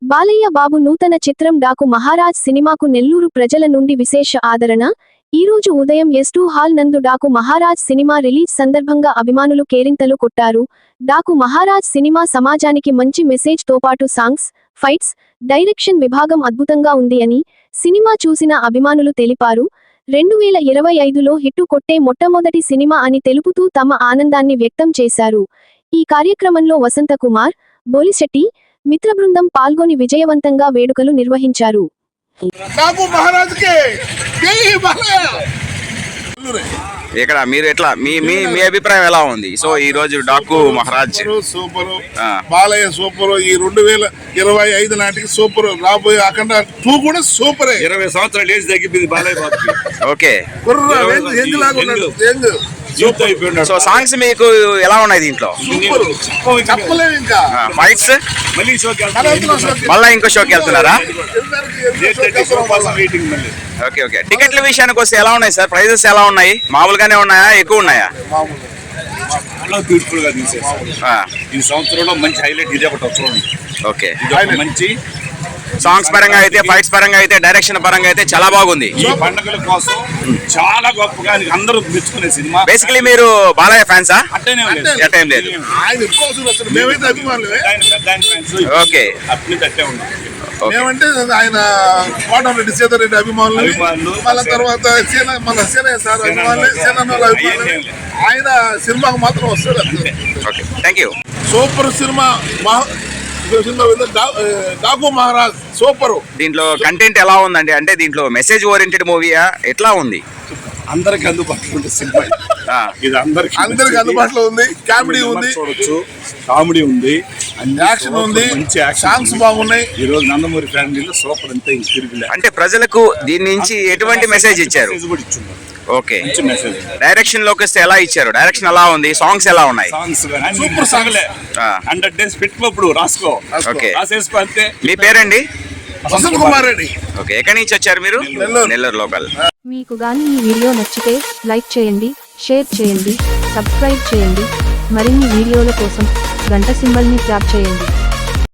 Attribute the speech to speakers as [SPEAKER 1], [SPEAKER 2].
[SPEAKER 1] బాలయ్య బాబు నూతన చిత్రం డాకు మహారాజ్ సినిమాకు నెల్లూరు ప్రజల నుండి విశేష ఆదరణ. ఈ రోజు ఉదయం S2 హాల్ నందు డాకు మహారాజ్ సినిమా రిలీజ్ సందర్భంగా అభిమానులు కేరింతలు కొట్టారు. డాకు మహారాజ్ సినిమా సమాజానికి మంచి మెసేజ్ తో పాటు సాంగ్స్, ఫైట్స్, డైరెక్షన్ విభాగం అద్భుతంగా ఉంది అని సినిమా చూసిన అభిమానులు తెలిపారు. 2025లో హిట్టు కొట్టే మొట్టమొదటి సినిమా అని తెలుపుతూ తమ ఆనందాన్ని వ్యక్తం చేశారు. ఈ కార్యక్రమంలో వసంత కుమార్, బోలిశెట్టి, మిత్ర బృందం పాల్గొని విజయవంతంగా వేడుకలు నిర్వహించారు.
[SPEAKER 2] ఇక్కడ మీరు ఎట్లా మీ అభిప్రాయం ఎలా ఉంది? సో ఈ రోజు డాకు మహారాజ్
[SPEAKER 3] సూపర్, బాలయ్య సూపర్, ఈ 2025 నాటికి సూపర్, రాబోయే అఖండ 2 కూడా సూపర్.
[SPEAKER 4] 20 సంవత్సరాలు ఏజ్ తగ్గిపోయింది బాలయ్య బాబుకి.
[SPEAKER 2] ఓకే, సో సాంగ్స్ మీకు ఎలా ఉన్నాయి దీంట్లో?
[SPEAKER 3] చెప్పలేదు. ఇంకా
[SPEAKER 2] ఫైట్స్ మళ్ళీ ఇంకో షోకి వెళ్తున్నారా? Okay okay. టికెట్ల విషయానికి వస్తే ఎలా ఉన్నాయి సార్? ప్రైజెస్ ఎలా ఉన్నాయి? మామూలుగానే ఉన్నాయా, ఎక్కువ ఉన్నాయా?
[SPEAKER 4] బ్యూటిఫుల్ గా తీసేసారు ఈ సంవత్సరంలో. మంచి హైలైట్ ఇదే ఒకటి చూడండి.
[SPEAKER 2] ఓకే,
[SPEAKER 4] మంచి
[SPEAKER 2] సాంగ్స్ పరంగా అయితే, ఫైట్స్ పరంగా అయితే, డైరెక్షన్ పరంగా అయితే చాలా బాగుంది.
[SPEAKER 4] ఈ పండుగల కోసం చాలా గొప్పగా అందరూ మెచ్చుకునే సినిమా.
[SPEAKER 2] బేసికలీ మీరు బాలయ్య ఫ్యాన్సా?
[SPEAKER 4] అట్టేం లేదు.
[SPEAKER 2] ఓకే,
[SPEAKER 3] మేమంటే ఆయన కోటమిరెడ్డి సీతారెడ్డి అభిమానులు, మళ్ళీ తర్వాత మన సీనయ్య సార్ అభిమానులు. ఆయన సినిమాకు మాత్రం వస్తాడు.
[SPEAKER 2] Okay, thank you.
[SPEAKER 3] Super cinema Daaku Maharaj super.
[SPEAKER 2] దీంట్లో కంటెంట్ ఎలా ఉందండి? అంటే దీంట్లో మెసేజ్ ఓరియంటెడ్ మూవీయా, ఎట్లా ఉంది?
[SPEAKER 4] అందరికి అందుబాటులో ఉండే సినిమా ఇది. అందరికి
[SPEAKER 3] అందుబాటులో ఉంది. కామెడీ ఉంది,
[SPEAKER 4] చూడొచ్చు. కామెడీ ఉంది,
[SPEAKER 3] యాక్షన్ ఉంది,
[SPEAKER 4] మంచి
[SPEAKER 3] సాంగ్స్ బాగున్నాయి.
[SPEAKER 4] ఈ రోజు నందమూరి ఫ్యామిలీలో సూపర్ అంతే.
[SPEAKER 2] అంటే ప్రజలకు దీని నుంచి ఎటువంటి మెసేజ్ ఇచ్చారు? ఓకే, డైరెక్షన్ లోకి వస్తే ఎలా ఇచ్చారు? డైరెక్షన్ ఎలా ఉంది? సాంగ్స్ ఎలా ఉన్నాయి?
[SPEAKER 4] సూపర్ సాంగ్లే. 100 days పెట్టుకోప్పుడు రాసుకో.
[SPEAKER 2] ఓకే,
[SPEAKER 4] రాసేసుకో అంతే.
[SPEAKER 2] మీ పేరండి?
[SPEAKER 3] వసంత కుమార్ రెడ్డి.
[SPEAKER 2] ఓకే, ఎక్కడి నుంచి వచ్చారు మీరు? నెల్లూరు లోకల్.
[SPEAKER 1] మీకు గాని ఈ వీడియో నచ్చితే లైక్ చేయండి, షేర్ చేయండి, సబ్స్క్రైబ్ చేయండి. మరిన్ని వీడియోల కోసం గంట సింబల్ ని ట్యాప్ చేయండి.